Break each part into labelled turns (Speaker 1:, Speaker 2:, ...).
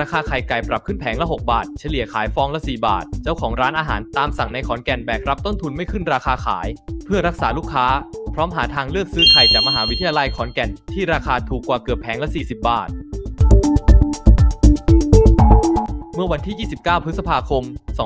Speaker 1: ราคาไข่ไก่ปรับขึ้นแผงละ6 บาทเฉลี่ยขายฟองละ4 บาทเจ้าของร้านอาหารตามสั่งในขอนแก่นแบกรับต้นทุนไม่ขึ้นราคาขายเพื่อรักษาลูกค้าพร้อมหาทางเลือกซื้อไข่จากมหาวิทยาลัยขอนแก่นที่ราคาถูกกว่าเกือบแผงละ40 บาทเมื่อวันที่ 29 พฤษภาคม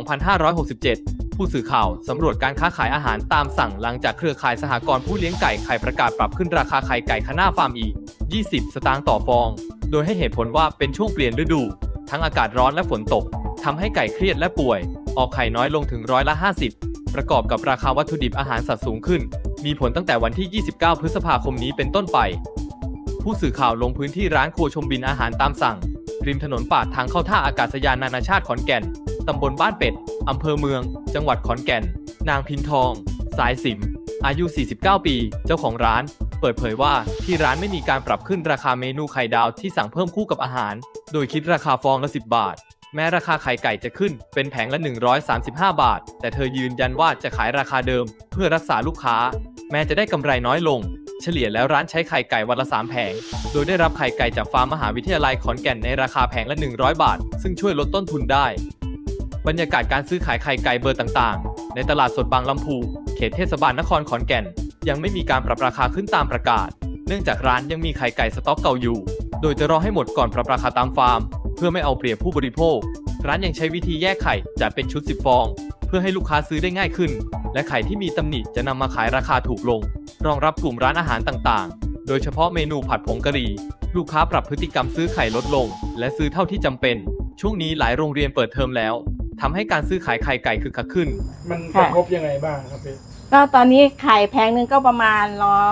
Speaker 1: 2567 ผู้สื่อข่าวสำรวจการค้าขายอาหารตามสั่งหลังจากเครือข่ายสหกรณ์ผู้เลี้ยงไก่ไข่ประกาศปรับขึ้นราคาไข่ไก่คณะฟาร์มอีก 20 สตางค์ต่อฟองโดยให้เหตุผลว่าเป็นช่วงเปลี่ยนฤดูทั้งอากาศร้อนและฝนตกทำให้ไก่เครียดและป่วยออกไข่น้อยลงถึง50%ประกอบกับราคาวัตถุดิบอาหารสัตว์สูงขึ้นมีผลตั้งแต่วันที่ 29 พฤษภาคมนี้เป็นต้นไปผู้สื่อข่าวลงพื้นที่ร้านครัวชมบินอาหารตามสั่งริมถนนปากทางเข้าท่าอากาศยานนานาชาติขอนแก่นตำบลบ้านเป็ดอำเภอเมืองจังหวัดขอนแก่นนางพินทองสายสิมอายุ 49 ปีเจ้าของร้านเปิดเผยว่าที่ร้านไม่มีการปรับขึ้นราคาเมนูไข่ดาวที่สั่งเพิ่มคู่กับอาหารโดยคิดราคาฟองละ10 บาทแม้ราคาไข่ไก่จะขึ้นเป็นแผงละ135 บาทแต่เธอยืนยันว่าจะขายราคาเดิมเพื่อรักษาลูกค้าแม้จะได้กำไรน้อยลงเฉลี่ยแล้วร้านใช้ไข่ไก่วันละ3 แผงโดยได้รับไข่ไก่จากฟาร์มมหาวิทยาลัยขอนแก่นในราคาแผงละ100 บาทซึ่งช่วยลดต้นทุนได้บรรยากาศการซื้อขายไข่ไก่เบอร์ต่างๆในตลาดสดบางลำพูเขตเทศบาลนครขอนแก่นยังไม่มีการปรับราคาขึ้นตามประกาศเนื่องจากร้านยังมีไข่ไก่สต็อกเก่าอยู่โดยจะรอให้หมดก่อนปรับราคาตามฟาร์มเพื่อไม่เอาเปรียบผู้บริโภคร้านยังใช้วิธีแยกไข่จัดเป็นชุด10 ฟองเพื่อให้ลูกค้าซื้อได้ง่ายขึ้นและไข่ที่มีตำหนิจะนำมาขายราคาถูกลงรองรับกลุ่มร้านอาหารต่างๆโดยเฉพาะเมนูผัดผงกะหรี่ลูกค้าปรับพฤติกรรมซื้อไข่ลดลงและซื้อเท่าที่จำเป็นช่วงนี้หลายโรงเรียนเปิดเทอมแล้วทำให้การซื้อขายไข่ไก่คึกคักขึ้น
Speaker 2: มันกระทบยังไงบ้างครับพี่
Speaker 3: ก็ตอนนี้ไข่แพงนึงก็ประมาณ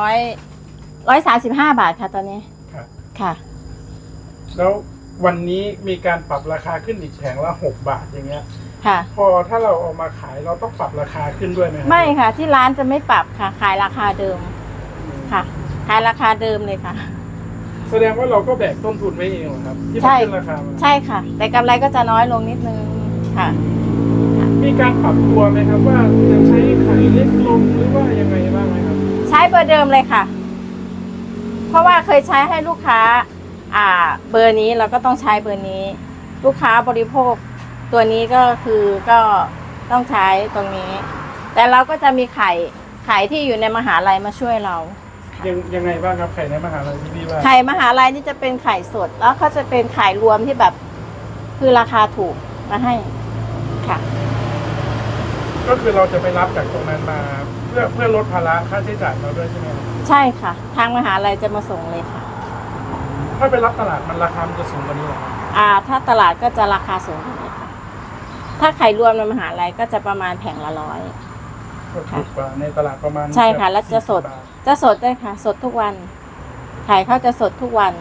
Speaker 3: 135 บาทค่ะตอนนี้ค่ะ
Speaker 2: แล้ววันนี้มีการปรับราคาขึ้นอีกแผงละ6 บาทอย่างเงี้ย
Speaker 3: ค่ะ
Speaker 2: พอถ้าเราเอามาขายเราต้องปรับราคาขึ้นด้วยไหม
Speaker 3: ไม่ค่ะที่ร้านจะไม่ปรับค่ะขายราคาเดิมค่ะขายราคาเดิมเลยค่ะ
Speaker 2: แสดงว่าเราก็แบกต้นทุนไว้เองเหรอครับที่มันขึ้นราคา
Speaker 3: ใช่ค่ะแต่กำไรก็จะน้อยลงนิดนึงค่ะ
Speaker 2: มีการปรับตัวไหมครับว่าจะใช้ไข่เล็กลงหรือว่ายังไงบ้างไหมครับ
Speaker 3: ใช้เบอร์เดิมเลยค่ะเพราะว่าเคยใช้ให้ลูกค้าเบอร์นี้เราก็ต้องใช้เบอร์นี้ลูกค้าบริโภคตัวนี้ก็คือก็ต้องใช้ตรงนี้แต่เราก็จะมีไข่ที่อยู่ในมหาลัยมาช่วยเรา
Speaker 2: ยังไงบ้างครับไข่ในมหาลัยที่พี่ว่า
Speaker 3: ไข่มหาลัยนี่จะเป็นไข่สดแล้วเขาจะเป็นไข่รวมที่แบบคือราคาถูกมาให้ค่ะ
Speaker 2: ก็คือเราจะไปรับจากตรงนั้นมาเพื่อลดภาระค่าใช้จ่ายเราด้วยใช่ไหม
Speaker 3: ใช่ค่ะทางมหาลัยจะมาส่งเลยค่ะ
Speaker 2: ถ้าไปรับตลาดมันราคามันจะสูงกว่านี้หรอ
Speaker 3: ถ้าตลาดก็จะราคาสูงกว่านี้ค่ะถ้าไข่รวมในมหาลัยก็จะประมาณแผงละ100
Speaker 2: ถูกกว่าในตลาดประมาณ
Speaker 3: ใช่ค่ะแล้วจะสดด้วยค่ะสดทุกวันไข่เขาจะสดทุกวัน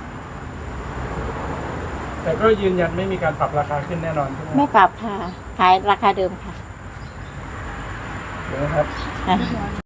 Speaker 2: แต่ก็ยืนยันไม่มีการปรับราคาขึ้นแน่นอนใช่ไหม
Speaker 3: ไม่ปรับค่ะขายราคาเดิมค่ะ
Speaker 2: เดี๋ยวนะครับ